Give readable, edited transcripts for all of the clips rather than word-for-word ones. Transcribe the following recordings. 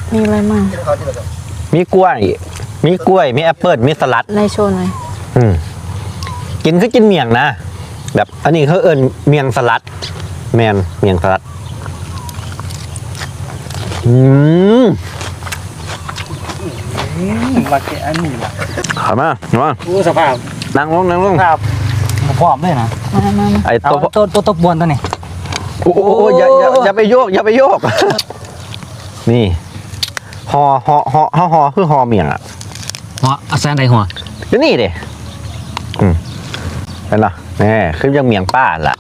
มีอะไรมั่งมีกล้วยมีแอปเปิ้ลมีสลัดในโชว์หน่อยกินคือกินเมี่ยงนะแบบอันนี้เขาเอิ้นเมี่ยงสลัดเมี่ยงสลัดมาแกอันนี้ล่ะขอบมากสภาพนั่งลงครับพร้อมเลยนะมาไอ้ตัวบวนตัวนี้โอ้อย่าไปโยกนี่ห่อคือห่อเมี่ยงอ่ะหัวอาแซนใดหัวก็นี่ดิเป็นเหรอนี่คือยังเมี่ยงป้าล่ะ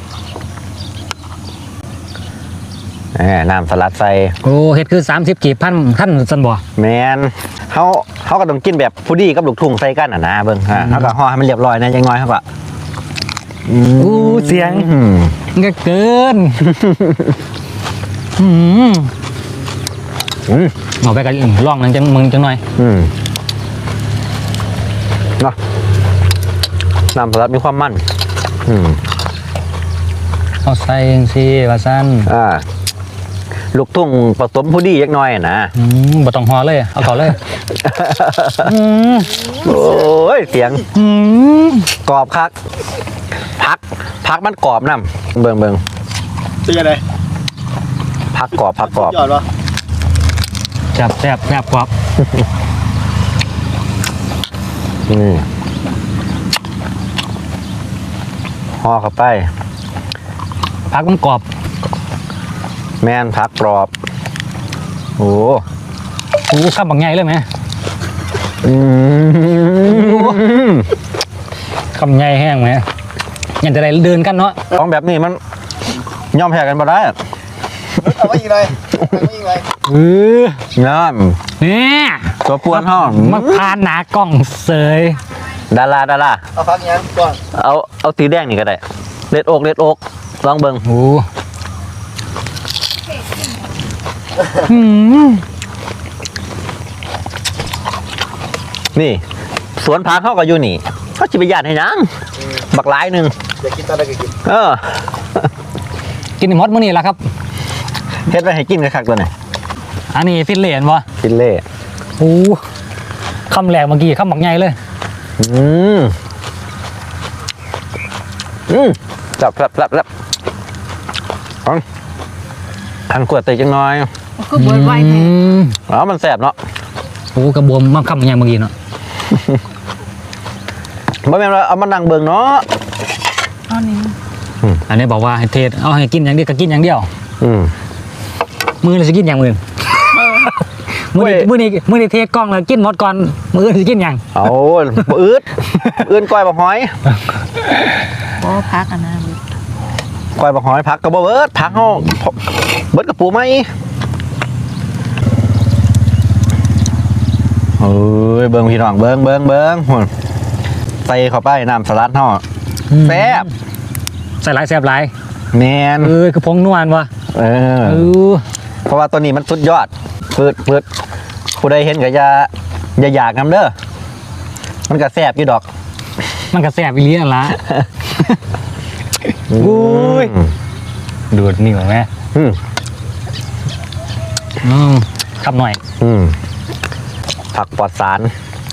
น้ำสลัดใส่โอ้เห็ดคือ30 กีบพันสันบ่แมนเขาก็ต้องกินแบบผู้ดีกับลูกทุ่งใส่กันนะเบิ้งเขาก็ห่อให้มันเรียบร้อยนะยังน้อยเขาก็เสียงเกินเอาไปกันลองนั่งมึงจังหน่อยเนาะน้ำสลัดมีความมันเอาใส่สิว่าสั้นลูกทุ่งผสมผู้ดียักน้อยนะบ่ต้องห่อเลยเอาเขาเลยโอ้ยเสียงกรอบคักพักมันกรอบน้ำเบิ่งเป็นยังไงพักกรอบยอดวะแซ่บกรอบห่อเข้าไปพักมันกรอบแม่นพักกรอบโอ้ข้าวบางไงเลยไหมคำไงแห้งไหมยังจะได้เดินกันเนาะของแบบนี้มันย่อมแพ้กันมาได้เอาไว้อีกเลยน้ำเนี่ยตัวปวนห้องมาพานหนากล้องเสยดาราเอาพักยังก่อนเอาสีแดงนี่ก็ได้เล็ดอกลองเบิ่งนี่สวนพักเขาก็อยู่นี่เขาจิบยานให้ยังบักหลายหนึ่งอยากกินตอนไหนก็กินกินมดมื้อนี้แหละครับเฮ็ดไปให้กินกันคักตัวไหนอันนี้ฟินเล่นวะฟินเล่คำแรกเมื่อกี้คำบักใหญ่เลยจับทันขวดเตะจังน้อยคือบวยไวแท้มันแสบเนาะกระบวมมันคำบักใหญ่เมื่อกี้เนาะบ่แม่นว่าเอามานั่งเบิ่งเนาะอันนี้บอกว่าให้เทศเอาให้กินอย่างเดียวก็กินอย่างเดียวมือเราจะกินอย่างอื่นมือนี้เทศกล้องแล้วกินหมดก่อนมือจะกินอย่างเอาอืดก้อยบะหอยบ่พักนะก้อยบะหอยพักกระเบิดพักเขาเบิดกระปูไหมเฮ้ยเบิ้งพี่น้องเบิ้งใส่เข้าไปน้ำสลัดห่อแซ่บใส่หลายแซ่บหลายแมนคือพงนวลวะเพราะว่าตัวนี้มันสุดยอดเปิดผู้ใดเห็นก็อย่าอยากนำเด้อมันก็แซ่บอยู่ดอกมันก็แซ่บอีเลี้ยนละดูดนิ่วไหมขับหน่อยผักปลอดสาร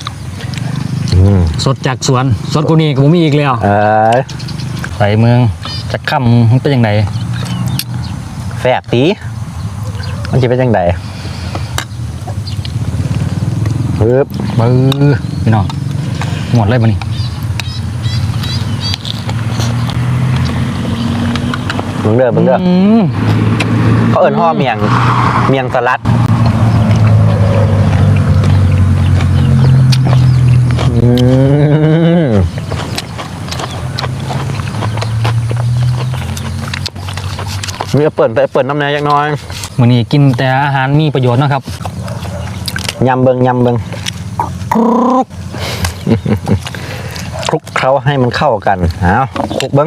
สดจากสวนสดกูนี่กูมีอีกแล้วใส่เมืองจะค่ำมันเป็นยังไงแซ่บตีมันจะเป็นยังไงพี่น้องหมดเลยมันนี่มึงเด้อเขาเอิ้นห่อเมียงสลัดมีเปิดน้ำแหน่ยักน้อยวันนี้กินแต่อาหารมีประโยชน์นะครับยำเบิงคลุกเคล้าให้มันเข้ากันคลุกเบิง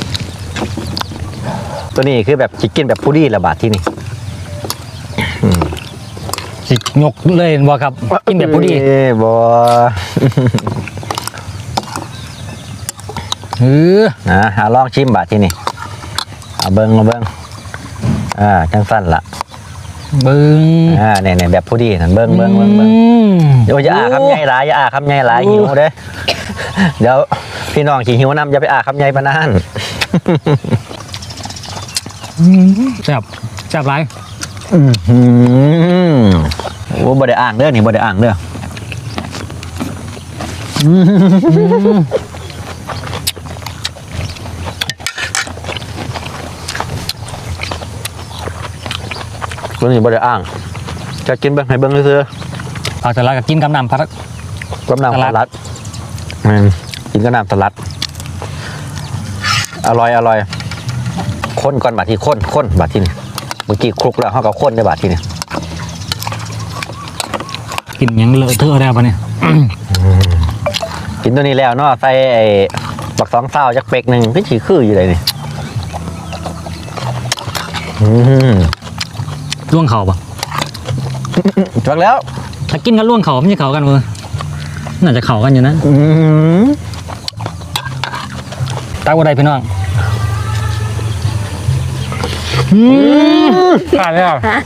ตัวนี้คือแบบจิกินแบบผู้ดีระบาดที่นี่สิยกเลยบ่ครับกินแบบผู้ดีบ่หาลองชิมบาดที่นี่เบิงจังสั้นละเบิ้งเนี่ยแบบผู้ดีนั่นเบิ้งเดี๋ยวอย่าอาคำใหญ่หลายอย่าอาคำใหญ่หลายหิวเด้เดี๋ยวพี่น้องขี่หิวนำอย่าไปอาคำใหญ่ปานนั้นแซ่บแซ่บไรโอ้บ่ได้อ่างเด้อนี่บ่ได้อ่างเด้อตัวนี้บ่ได้อ่างจะกินเบิ่งให้เบิ่งซื่อผักสลัดกับกินกับน้ำผักๆกับน้ำสลัดกินกับน้ำสลัดอร่อยข้นก่อนบาดที่ข้นบาดที่นี่เมื่อกี้คลุกแล้วเฮาก็ข้นได้บาดที่นี่กินหยังเลอะเทอะแล้วปะเนี่ยกินตัวนี้แล้วเนาะใส่ไอ้บักสองเศร้าจักเป็กหนึ่งพี่ฉีคืออยู่เลยนี่ล่วงเข่าปะจักแล้วถ้ากินกันล่วงเข่าไม่ใช่เข่ากันเว้ยน่าจะเข่ากันอยู่นะตาบัวใดพี่น้องผ่านแล้ว